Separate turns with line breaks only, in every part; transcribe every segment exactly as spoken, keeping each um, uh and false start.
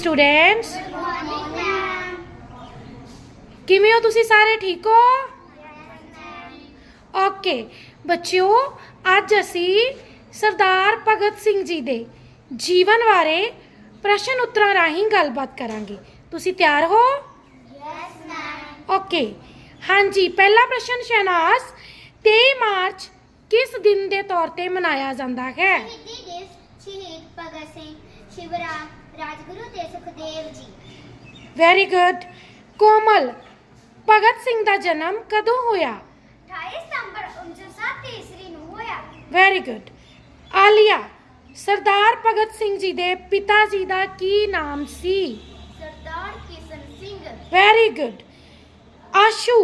Students किवें हो तुसी सारे ठीक हो? ओके बच्चों, अज असी सरदार भगत सिंह जी दे जीवन बारे प्रश्न उत्तरां राहीं गलबात करांगे। तुसी तैयार हो?
Yes ma'am.
ओके हाँ जी, पहला प्रश्न शहनाज, तेईस मार्च किस दिन के तौर पर मनाया जाता है?
शहीदी दिवस शहीद भगत सिंह, शिवराम, राजगुरु ते सुखदेव जी।
Very good. कोमल, भगत सिंह का जन्म कदों होया?
अठाई सितंबर उन्नीस सौ सत्त ईस्वी नूं होया।
Very good. आलिया, सरदार भगत सिंह जी दे पिता जी का की नाम सी?
सरदार किशन सिंह।
Very good. आशू,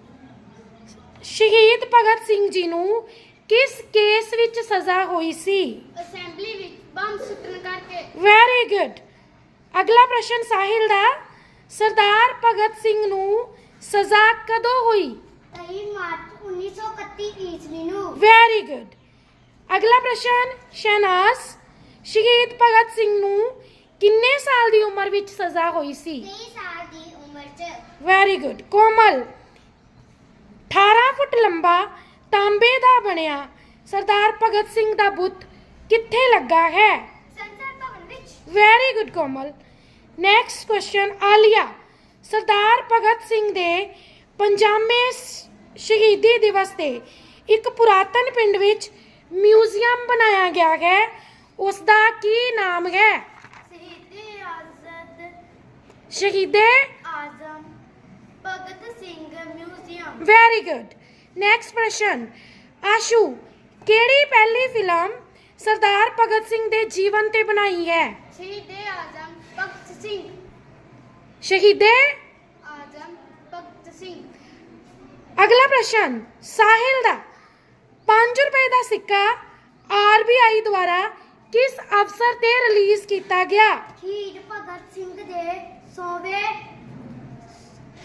शहीद भगत सिंह जी नूं किस केस विच सजा हुई सी?
असेंबली विच बम सुट्टण करके।
Very good. अगला प्रश्न साहिल दा, सरदार भगत सिंह नूं सजा कदों हुई?
तेईस मार्च उन्नीस सौ इकतीस ईस्वी नूं।
Very good. अगला प्रश्न शहनाज, शहीद भगत सिंह नूं किन्ने साल दी उम्र विच सजा हुई सी?
तेईस साल दी उम्र च।
Very good. कोमल, अठारह फुट लंबा तांबे दा बनिया सरदार भगत सिंह दा बुत कित्थे लगा है?
संसद भवन विच।
Very good Komal. Next question Alia, Sardar Bhagat Singh दे पंजावें शहीदी दिवस ते एक पुरातन पिंड विच म्यूजियम बनाया गया है, उसका की नाम है?
शहीदे आज़ाद
शहीदे
आजम Bhagat Singh museum.
Very good. Next प्रश्न आशू, केड़ी पहली फिल्म सरदार भगत सिंह दे जीवन ते बनाई है?
शहीदे आजम भगत सिंह।
शहीदे
आजम भगत सिंह।
अगला प्रश्न साहिल दा, पांच रुपए का सिक्का आर बी आई द्वारा किस अवसर ते रिलीज किया गया?
शहीद भगत सिंह दे सौवें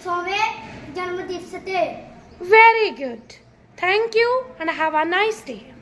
सौवें जन्म दिवस ते।
Very good. Thank you and have a nice day.